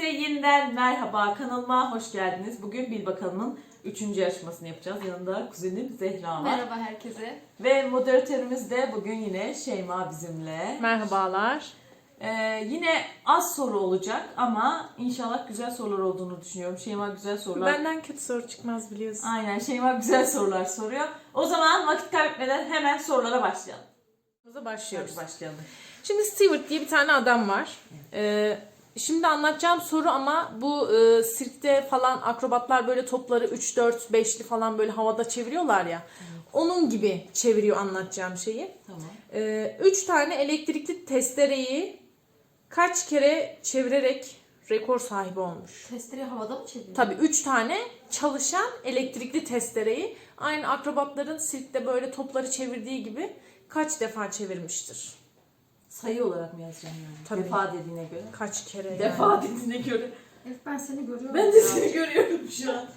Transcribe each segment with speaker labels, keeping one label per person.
Speaker 1: yeniden merhaba, kanalıma hoş geldiniz. Bugün Bil Bakalım'ın 3. yarışmasını yapacağız. Yanında kuzenim Zehra var.
Speaker 2: Merhaba herkese.
Speaker 1: Ve moderatörümüz de bugün yine Şeyma bizimle.
Speaker 3: Merhabalar.
Speaker 1: Yine az soru olacak ama inşallah güzel sorular olduğunu düşünüyorum. Şeyma güzel sorular.
Speaker 3: Benden kötü soru çıkmaz biliyorsun.
Speaker 1: Aynen, Şeyma güzel sorular soruyor. O zaman vakit kaybetmeden hemen sorulara başlayalım.
Speaker 3: Başlıyoruz.
Speaker 1: Hadi başlayalım.
Speaker 3: Şimdi Stewart diye bir tane adam var. Şimdi anlatacağım soru ama bu sirkte falan akrobatlar böyle topları 3, 4, 5'li falan böyle havada çeviriyorlar ya. Onun gibi çeviriyor anlatacağım şeyi.
Speaker 1: Tamam.
Speaker 3: 3 tane elektrikli testereyi kaç kere çevirerek rekor sahibi olmuş?
Speaker 2: Testereyi havada mı çeviriyor?
Speaker 3: Tabii 3 tane çalışan elektrikli testereyi aynı akrobatların sirkte böyle topları çevirdiği gibi kaç defa çevirmiştir?
Speaker 1: Sayı olarak mı yazacağım yani?
Speaker 3: Tabii.
Speaker 1: Defa dediğine göre.
Speaker 3: Kaç kere yani?
Speaker 1: Defa dediğine göre.
Speaker 2: Evet, ben seni görüyorum.
Speaker 1: Ben de seni görüyorum şu an.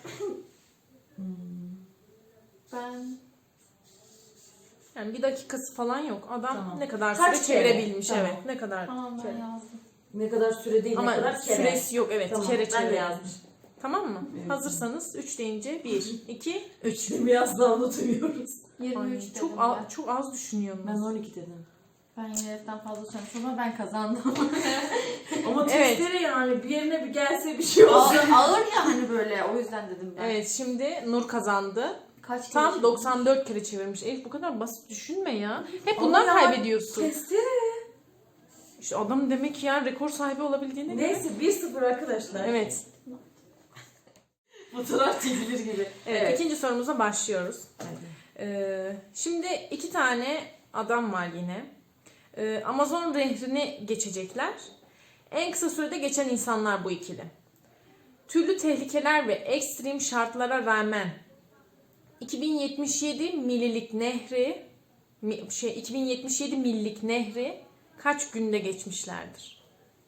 Speaker 2: Ben
Speaker 3: Yani bir dakikası falan yok. Adam
Speaker 1: Tamam.
Speaker 3: ne kadar
Speaker 1: Kaç
Speaker 3: süre
Speaker 1: kere?
Speaker 3: çevirebilmiş,
Speaker 1: Tamam.
Speaker 3: evet. Ne kadar
Speaker 2: tamam ben
Speaker 3: kere.
Speaker 2: yazdım.
Speaker 1: Ne kadar süre değil,
Speaker 3: Ama
Speaker 1: ne kadar kere.
Speaker 3: süresi yok, evet.
Speaker 1: Tamam,
Speaker 3: Kere
Speaker 1: ben de
Speaker 3: çevirebilmiş.
Speaker 1: yazmış.
Speaker 3: Tamam mı?
Speaker 1: Evet.
Speaker 3: Hazırsanız 3 deyince 1, 2, 3.
Speaker 1: Biraz daha unutuyoruz.
Speaker 2: 23 dedim
Speaker 3: Çok,
Speaker 2: ben.
Speaker 3: çok az düşünüyorsunuz.
Speaker 1: Ben 12 dedim.
Speaker 2: Ben yine heriften fazla söylemişim ama ben kazandım.
Speaker 1: Ama
Speaker 3: Evet.
Speaker 1: testere yani bir yerine bir gelse bir şey
Speaker 2: ağır,
Speaker 1: olsa.
Speaker 2: ağır ya hani böyle, o yüzden dedim ben.
Speaker 3: Evet, şimdi Nur kazandı.
Speaker 2: Kaç kere
Speaker 3: Tam
Speaker 2: çevirdim?
Speaker 3: 94 kere çevirmiş. Elif bu kadar basit düşünme ya. Hep
Speaker 1: Ama
Speaker 3: bundan
Speaker 1: ya,
Speaker 3: kaybediyorsun.
Speaker 1: Testere.
Speaker 3: İşte adam demek ki yani rekor sahibi olabildiğine göre.
Speaker 1: Neyse 1-0 arkadaşlar.
Speaker 3: Evet.
Speaker 1: Fotoğraf çekilir gibi.
Speaker 3: Evet. İkinci sorumuza başlıyoruz.
Speaker 1: Hadi.
Speaker 3: Şimdi 2 tane adam var yine. Amazon nehrini geçecekler. En kısa sürede geçen insanlar bu ikili. Türlü tehlikeler ve ekstrem şartlara rağmen 2077 millik nehri 2077 millik nehri kaç günde geçmişlerdir?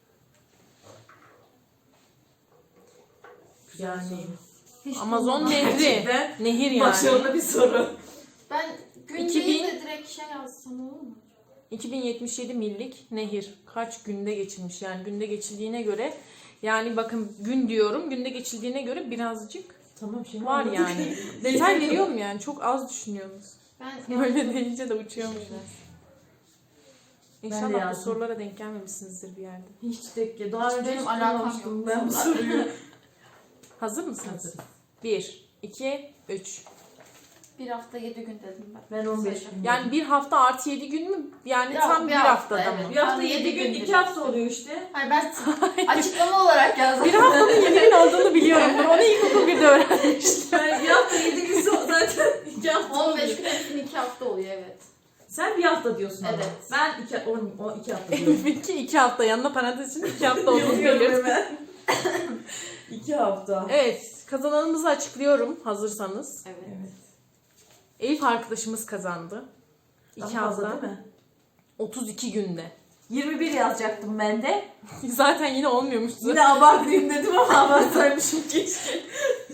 Speaker 3: Yani
Speaker 2: Hiç
Speaker 3: Amazon
Speaker 2: bulmadım.
Speaker 3: nehri,
Speaker 1: Gerçekten
Speaker 3: nehir yani.
Speaker 1: Başarılı bir soru.
Speaker 2: Ben gün
Speaker 3: 2000
Speaker 2: değil de direkt şey yazsam olur mu?
Speaker 3: 2077 millik nehir kaç günde geçilmiş? Yani günde geçildiğine göre, yani bakın gün diyorum, günde geçildiğine göre birazcık
Speaker 1: Tamam şimdi
Speaker 3: var yani. Detay veriyorum yani, çok az düşünüyorsunuz.
Speaker 2: Ben
Speaker 3: Böyle deyince de uçuyormuşsunuz.
Speaker 1: Ben de
Speaker 3: İnşallah bu
Speaker 1: yazdım.
Speaker 3: sorulara denk gelmemişsinizdir bir yerde.
Speaker 1: Hiç de daha önce
Speaker 2: Benim
Speaker 1: hiç
Speaker 2: alakam
Speaker 1: duymamıştım
Speaker 2: yok.
Speaker 1: ben bu soruyu.
Speaker 3: Hazır mısınız?
Speaker 1: Hazırız.
Speaker 3: 1, 2, 3.
Speaker 2: bir hafta 7 gün dedim ben.
Speaker 1: Ben 15
Speaker 2: Sayacağım.
Speaker 1: gün.
Speaker 3: Yani bir hafta artı 7 gün mü? Yani
Speaker 2: Ya,
Speaker 3: tam
Speaker 2: bir
Speaker 3: bir
Speaker 2: hafta,
Speaker 3: haftada
Speaker 2: evet.
Speaker 3: mı?
Speaker 1: Bir hafta
Speaker 2: Ben
Speaker 1: 7
Speaker 2: 7
Speaker 1: gün,
Speaker 2: gün
Speaker 1: 2
Speaker 2: dedim.
Speaker 1: hafta oluyor işte.
Speaker 2: Hayır, ben açıklama olarak yazdım.
Speaker 3: Bir haftanın 7 gün olduğunu biliyorum. Onu ilkokul 1'de öğrenmiştim.
Speaker 1: Yani bir hafta 7 gün zaten 2 hafta
Speaker 2: 15
Speaker 1: oluyor.
Speaker 2: gün hepsinin 2 hafta oluyor, evet.
Speaker 1: Sen bir hafta diyorsun ama.
Speaker 2: Evet.
Speaker 1: Ben 2 hafta diyorum.
Speaker 3: 2 hafta, yanına parantez için 2 hafta olduğunu
Speaker 1: Yazıyorum
Speaker 3: biliyorum.
Speaker 1: hemen. 2 hafta.
Speaker 3: Evet, kazananımızı açıklıyorum hazırsanız.
Speaker 2: Evet.
Speaker 1: Evet.
Speaker 3: Elif arkadaşımız kazandı. 2
Speaker 1: Daha fazla
Speaker 3: hafta,
Speaker 1: değil mi?
Speaker 3: 32 günde.
Speaker 1: 21 yazacaktım ben de.
Speaker 3: Zaten yine olmuyormuş.
Speaker 1: Yine abartayım dedim ama abartsaymışım keşke.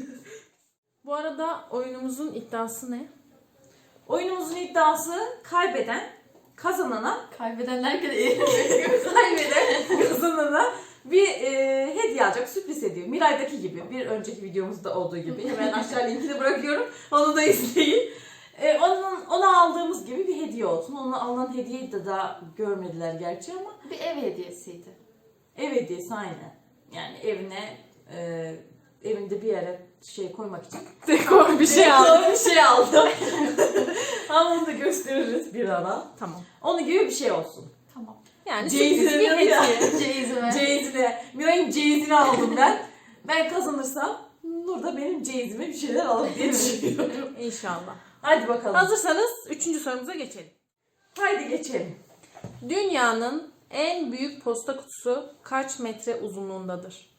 Speaker 3: Bu arada oyunumuzun iddiası ne?
Speaker 1: Oyunumuzun iddiası kaybeden kazanana
Speaker 2: Kaybedenler kadar
Speaker 1: kaybeden kazanana bir hediye alacak, sürpriz hediye. Miray'daki gibi, bir önceki videomuzda olduğu gibi. Hemen aşağı linkini bırakıyorum. Onu da izleyin. Ona aldığımız gibi bir hediye olsun. Ona alınan hediyeyi de daha görmediler gerçi ama
Speaker 2: bir ev hediyesiydi.
Speaker 1: ev hediyesi aynen. Yani evinde bir yere şey koymak için
Speaker 3: Dekor bir şey aldım.
Speaker 1: bir şey aldım. Ama onu da gösteririz bir ara.
Speaker 3: Tamam.
Speaker 1: Onun gibi bir şey olsun.
Speaker 2: Tamam.
Speaker 3: Yani
Speaker 1: Ceyiz'e
Speaker 3: sürpriz bir
Speaker 1: veriyor ya.
Speaker 3: hediye.
Speaker 2: Ceyizime.
Speaker 1: Ceyizine. Miray'ın ceyizini aldım ben. Ben kazanırsam Nur da benim ceyizime bir şeyler alır diye düşünüyorum.
Speaker 3: İnşallah.
Speaker 1: Hadi bakalım.
Speaker 3: Hazırsanız 3. sorumuza geçelim.
Speaker 1: Haydi geçelim.
Speaker 3: Dünyanın en büyük posta kutusu kaç metre uzunluğundadır?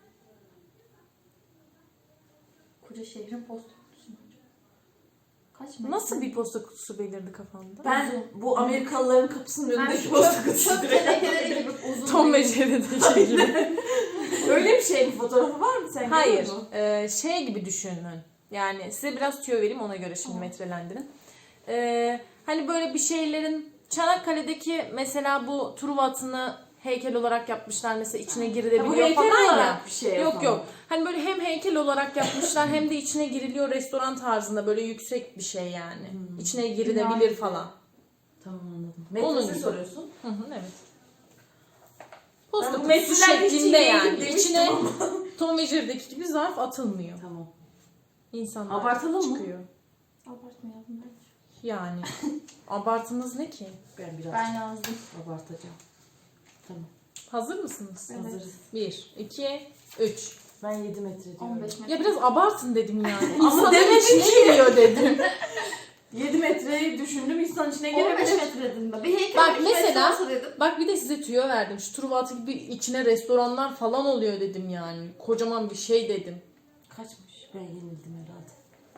Speaker 2: Koca şehrin posta kutusu mu? Kaç metre?
Speaker 3: Nasıl bir posta kutusu belirdi kafanda?
Speaker 1: Ben bu Amerikalıların kapısının
Speaker 2: Ben
Speaker 1: önündeki
Speaker 2: şu
Speaker 1: posta
Speaker 2: çöp
Speaker 1: kutusu.
Speaker 2: tenekeleri gibi uzun.
Speaker 3: Tom ve
Speaker 2: değil.
Speaker 3: Jerry'deki gibi.
Speaker 1: Öyle bir şey mi? Fotoğrafı var mı? Sen
Speaker 3: Hayır.
Speaker 1: görüyor musun?
Speaker 3: Şey gibi düşünün. Yani size biraz tüyo vereyim, ona göre şimdi
Speaker 2: Tamam.
Speaker 3: metrelendirin. Hani böyle bir şeylerin Çanakkale'deki mesela bu Truva atını heykel olarak yapmışlar mesela içine
Speaker 1: Ha, bu
Speaker 3: girilebiliyor
Speaker 1: heykel
Speaker 3: falan ya.
Speaker 1: olarak bir şey
Speaker 3: Yok
Speaker 1: yapalım.
Speaker 3: yok. Hani böyle hem heykel olarak yapmışlar hem de içine giriliyor restoran tarzında böyle yüksek bir şey yani. İçine girilebilir
Speaker 2: Bina
Speaker 3: falan.
Speaker 1: Tamam anladım.
Speaker 3: Onun
Speaker 1: Metresi
Speaker 3: gibi.
Speaker 1: soruyorsun.
Speaker 3: Hı hı, evet.
Speaker 1: Ben
Speaker 3: Posta
Speaker 1: bu
Speaker 3: kutusu
Speaker 1: metreler hiç
Speaker 3: şeklinde
Speaker 1: iyi
Speaker 3: yani.
Speaker 1: değil demiştim
Speaker 3: İçine
Speaker 1: ama.
Speaker 3: Tom ve Jerry'deki gibi zarf atılmıyor.
Speaker 1: Tamam.
Speaker 3: İnsanlar
Speaker 1: Abartalım mı?
Speaker 3: çıkıyor.
Speaker 2: Abartmayalım bence.
Speaker 3: Yani abartımız ne ki?
Speaker 1: Ben biraz
Speaker 2: Ben yazdım.
Speaker 1: abartacağım. Tamam.
Speaker 3: Hazır mısınız?
Speaker 2: Evet.
Speaker 1: Hazırız.
Speaker 3: 1, 2, 3.
Speaker 1: Ben 7 metre diyorum.
Speaker 2: 15 metre.
Speaker 3: Ya biraz abartın dedim yani.
Speaker 1: Ama
Speaker 3: İnsanın
Speaker 1: demedim
Speaker 3: içine
Speaker 1: ki.
Speaker 3: giriyor dedim.
Speaker 1: 7 metreyi düşündüm insan içine
Speaker 2: 15
Speaker 1: giremedim.
Speaker 2: metre dedim ben. Bir heykel
Speaker 3: Bak
Speaker 2: 15 metre
Speaker 3: mesela-
Speaker 2: olsa dedim.
Speaker 3: Bak bir de size tüyo verdim. Şu Truvatı gibi içine restoranlar falan oluyor dedim yani. Kocaman bir şey dedim.
Speaker 1: Kaçmış? Ben yenildim herhalde.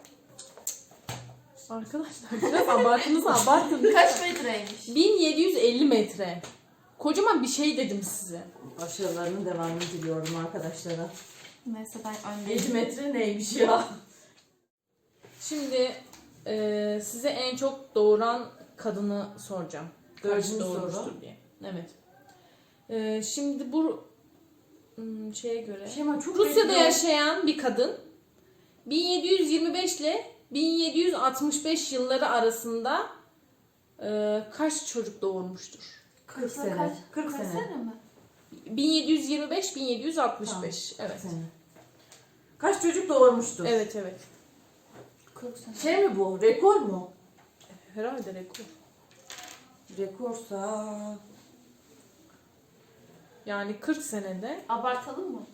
Speaker 3: Arkadaşlar biraz abartınızı abartın.
Speaker 2: Kaç metreymiş?
Speaker 3: 1750 metre. Kocaman bir şey dedim size.
Speaker 1: Başarılarının devamını diliyorum arkadaşlara.
Speaker 2: Neyse ben öndeyim.
Speaker 1: 7 metre neymiş ya?
Speaker 3: Şimdi size en çok doğuran kadını soracağım. Kaç
Speaker 1: Dördüncü
Speaker 3: doğurmuştur
Speaker 1: soru.
Speaker 3: diye. Evet. Şimdi bu şeye göre
Speaker 1: Şema çok
Speaker 3: Rusya'da
Speaker 1: bekliyor.
Speaker 3: yaşayan bir kadın 1725 ile 1765 yılları arasında kaç çocuk doğurmuştur?
Speaker 1: 40 sene.
Speaker 2: Kaç?
Speaker 1: 40
Speaker 2: Kaç
Speaker 1: sene.
Speaker 2: sene mi?
Speaker 3: 1725 1765.
Speaker 1: Tamam.
Speaker 3: Evet.
Speaker 1: Sene. Kaç çocuk doğurmuştur?
Speaker 3: Evet evet.
Speaker 2: 40 sene.
Speaker 1: Şey mi bu? Rekor mu?
Speaker 3: Herhalde rekor.
Speaker 1: Rekorsa...
Speaker 3: Yani 40 senede.
Speaker 2: Abartalım mı?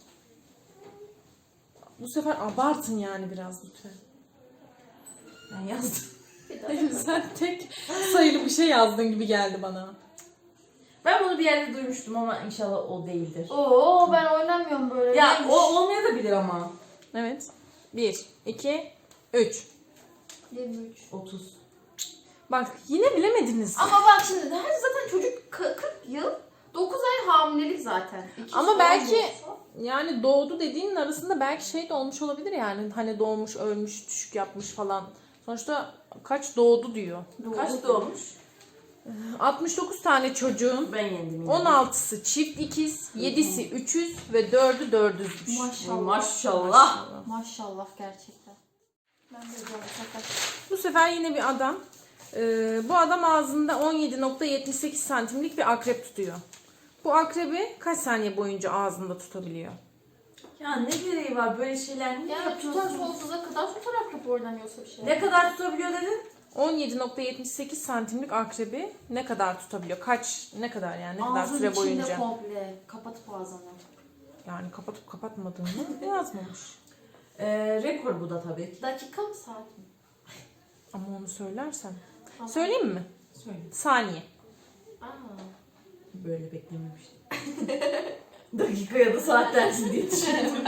Speaker 3: Bu sefer abartın yani biraz lütfen.
Speaker 1: Ben yazdım.
Speaker 2: Bir daha.
Speaker 3: Sen tek sayılı bir şey yazdın gibi geldi bana.
Speaker 1: Ben bunu bir yerde duymuştum ama inşallah o değildir.
Speaker 2: Oo ben oynamıyorum böyle.
Speaker 1: Ya
Speaker 2: Neymiş?
Speaker 1: o olmayabilir ama.
Speaker 3: Evet. 1, 2, 3.
Speaker 2: 23.
Speaker 1: 30.
Speaker 3: Bak yine bilemediniz.
Speaker 2: Ama bak şimdi her zaten çocuk 40 yıl 9 ay hamilelik zaten. İki
Speaker 3: Ama
Speaker 2: falan
Speaker 3: belki-
Speaker 2: olsa.
Speaker 3: Yani doğdu dediğinin arasında belki şey de olmuş olabilir yani. Hani doğmuş, ölmüş, düşük yapmış falan. Sonuçta kaç doğdu diyor.
Speaker 1: Kaç doğmuş?
Speaker 3: 69 tane çocuğun
Speaker 1: Ben yendim yine.
Speaker 3: 16'sı çift ikiz, 7'si üçüz ve 4'ü dördüzmüş.
Speaker 2: Maşallah.
Speaker 1: Maşallah.
Speaker 2: Maşallah gerçekten. Ben de zor sakar.
Speaker 3: Bu sefer yine bir adam. Bu adam ağzında 17.78 santimlik bir akrep tutuyor. Bu akrebi kaç saniye boyunca ağzında tutabiliyor?
Speaker 1: Ya ne gereği var böyle şeyler? Niye
Speaker 2: Yani tutar
Speaker 1: yapıyorsun?
Speaker 2: sonsuza kadar tutar akrep oynanıyorsa bir şey.
Speaker 1: Ne kadar tutabiliyor dedin?
Speaker 3: 17.78 santimlik akrebi ne kadar tutabiliyor? Ne kadar yani ne kadar
Speaker 2: Ağzın
Speaker 3: süre
Speaker 2: içinde
Speaker 3: boyunca?
Speaker 2: komple kapatıp ağzını.
Speaker 3: Yani kapatıp kapatmadığını yazmamış.
Speaker 1: Rekor bu da tabii ki.
Speaker 2: Dakika mı saat mi?
Speaker 3: Ama onu söylersem.
Speaker 2: Tamam.
Speaker 3: Söyleyeyim mi?
Speaker 1: Söyle.
Speaker 3: Saniye.
Speaker 2: Aa.
Speaker 1: Böyle beklememiştim. Dakika ya da saat dersin diye düşündüm.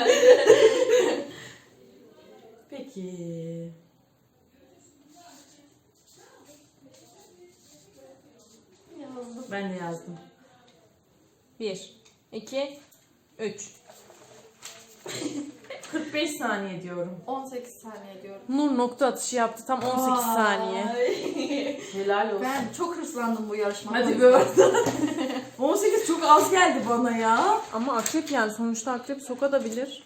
Speaker 1: Peki.
Speaker 2: Yazdım.
Speaker 1: Ben de yazdım.
Speaker 3: 1, 2, 3.
Speaker 1: 45 saniye diyorum.
Speaker 2: 18 saniye diyorum.
Speaker 3: Nur nokta atışı yaptı tam 18 saniye.
Speaker 1: Helal olsun.
Speaker 2: Ben çok hırslandım bu yarışmada.
Speaker 1: Hadi be oradan. 18 çok az geldi bana ya.
Speaker 3: Ama akrep yani sonuçta akrep sokabilir.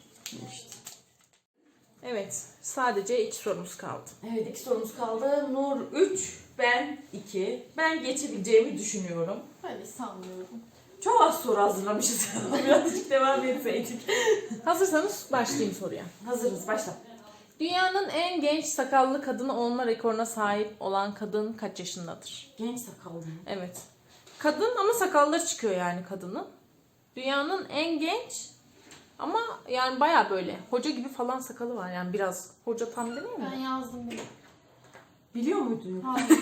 Speaker 3: Evet sadece 2 sorumuz kaldı.
Speaker 1: Evet 2 sorumuz kaldı. Nur 3, ben 2. Ben geçebileceğimi düşünüyorum.
Speaker 2: Öyle sanmıyorum.
Speaker 1: Çok az soru hazırlamışız. Birazcık devam etseydik.
Speaker 3: Hazırsanız başlayayım soruya.
Speaker 1: Hazırız başla.
Speaker 3: Dünyanın en genç sakallı kadını olma rekoruna sahip olan kadın kaç yaşındadır?
Speaker 1: Genç sakallı mı?
Speaker 3: Evet. Kadın ama sakalları çıkıyor yani kadının. Dünyanın en genç ama yani baya böyle hoca gibi falan sakalı var yani biraz hoca tam demeyeyim
Speaker 2: Ben
Speaker 3: mi?
Speaker 2: yazdım bunu.
Speaker 1: Biliyor muydun?
Speaker 2: Hayır.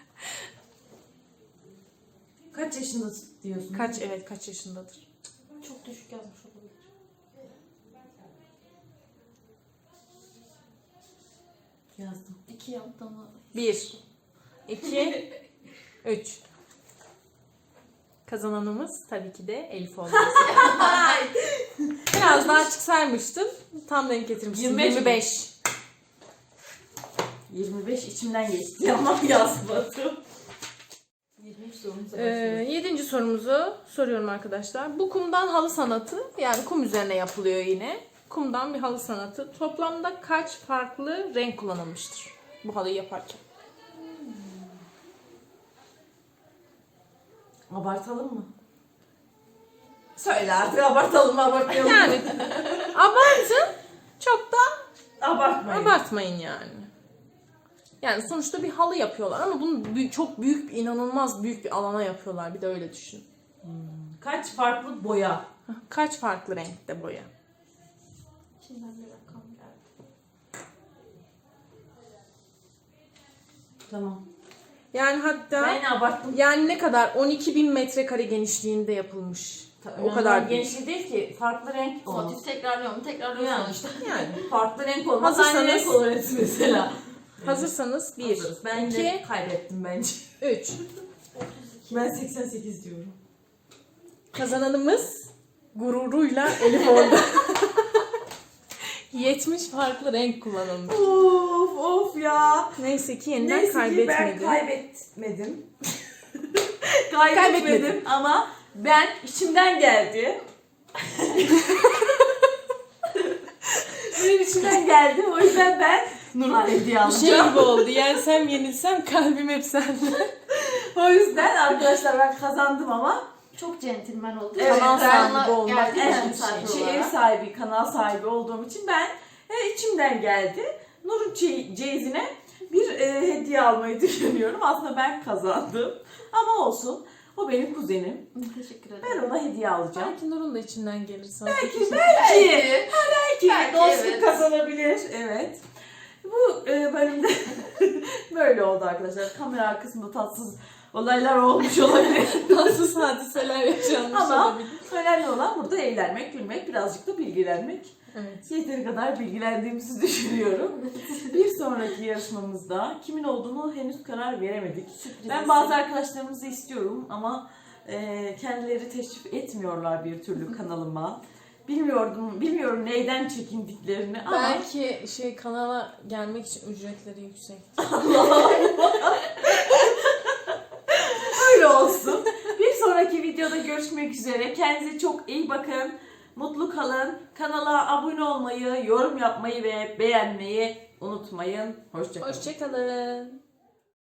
Speaker 1: Kaç yaşında diyorsun?
Speaker 3: Kaç yaşındadır?
Speaker 2: Çok düşük yazmış olabilir.
Speaker 1: Yazdım.
Speaker 2: 2 yaptığımı.
Speaker 3: 1, 2, 3. Kazananımız tabii ki de Elif oldu. Biraz daha çıksaymıştım. Tam denk getirmiştim.
Speaker 1: 25 mi?
Speaker 3: 25.
Speaker 1: 25 içimden geçti ama yazmadım. 23 sorumuza başlıyoruz.
Speaker 3: 7. sorumuzu soruyorum arkadaşlar. Bu kumdan halı sanatı, yani kum üzerine yapılıyor yine. Kumdan bir halı sanatı. Toplamda kaç farklı renk kullanılmıştır bu halıyı yaparken?
Speaker 1: Abartalım mı? Söyle artık, abartalım mı abartmayalım mı?
Speaker 3: Yani abartın, çok da
Speaker 1: Abartmayın.
Speaker 3: abartmayın yani. Yani sonuçta bir halı yapıyorlar ama bunu çok büyük, inanılmaz büyük bir alana yapıyorlar. Bir de öyle düşün.
Speaker 1: Kaç farklı boya?
Speaker 3: Kaç farklı renkte boya?
Speaker 2: İçinden bir rakam geldi.
Speaker 1: Tamam.
Speaker 3: Yani hatta
Speaker 1: Ben abarttım.
Speaker 3: yani ne kadar? 12.000 metrekare genişliğinde yapılmış. O kadar büyük.
Speaker 1: genişliği değil ki. Farklı renk olmaz.
Speaker 2: Motif tekrarlıyor
Speaker 1: Yani.
Speaker 2: sonuçta.
Speaker 3: Yani
Speaker 1: Farklı renk olmaz. Aynı
Speaker 3: Hazırsanız-
Speaker 1: renk olur hepsi mesela.
Speaker 3: hazırsanız 1,
Speaker 1: Hazırız. Ben
Speaker 3: 2,
Speaker 1: de kaybettim bence.
Speaker 3: 3.
Speaker 1: Ben 88 diyorum.
Speaker 3: Kazananımız gururuyla Elif oldu. 70 farklı renk kullanılmış.
Speaker 1: Of ya.
Speaker 3: Neyse ki yeniden
Speaker 1: Neyse ki ben
Speaker 3: kaybetmedi.
Speaker 1: kaybetmedim. Kaybetmedim ama ben içimden geldi. Benim içimden geldi. O yüzden ben Nurhan hediye
Speaker 3: Bu şey
Speaker 1: alacağım.
Speaker 3: gibi oldu. Yensem yenilsem kalbim hep sende.
Speaker 1: O yüzden arkadaşlar ben kazandım ama
Speaker 2: Çok centilmen oldu.
Speaker 1: Evet,
Speaker 3: Kanal
Speaker 1: ben-
Speaker 3: sahibi olmak.
Speaker 2: Geldi
Speaker 1: evet,
Speaker 2: ev sahibi
Speaker 1: ev
Speaker 2: olarak.
Speaker 1: sahibi, kanal sahibi olduğum için ben içimden geldi. Nur'un çeyizine bir hediye almayı düşünüyorum. Aslında ben kazandım. Ama olsun. O benim kuzenim.
Speaker 2: Teşekkür ederim.
Speaker 1: Ben ona hediye alacağım.
Speaker 3: Belki Nur'un da içinden gelir sana.
Speaker 1: Belki
Speaker 2: Belki,
Speaker 1: dostluk
Speaker 2: evet.
Speaker 1: kazanabilir. Evet. Bu bölümde böyle oldu arkadaşlar. Kamera arkasında tatsız olaylar olmuş olabilir.
Speaker 3: Tatsız hadiseler yaşanmış
Speaker 1: Ama
Speaker 3: olabilir.
Speaker 1: önemli olan burada eğlenmek, gülmek, birazcık da bilgilenmek.
Speaker 3: Evet.
Speaker 1: Yeteri kadar bilgilendiğimizi düşünüyorum. Bir sonraki yarışmamızda kimin olduğunu henüz karar veremedik. Ben bazı arkadaşlarımızı istiyorum ama kendileri teşrif etmiyorlar bir türlü kanalıma. Bilmiyorum neyden çekindiklerini ama
Speaker 3: Belki kanala gelmek için ücretleri yüksek.
Speaker 1: öyle olsun. Bir sonraki videoda görüşmek üzere. Kendinize çok iyi bakın. Mutlu kalın. Kanala abone olmayı, yorum yapmayı ve beğenmeyi unutmayın. Hoşça kalın.
Speaker 3: Hoşçakalın.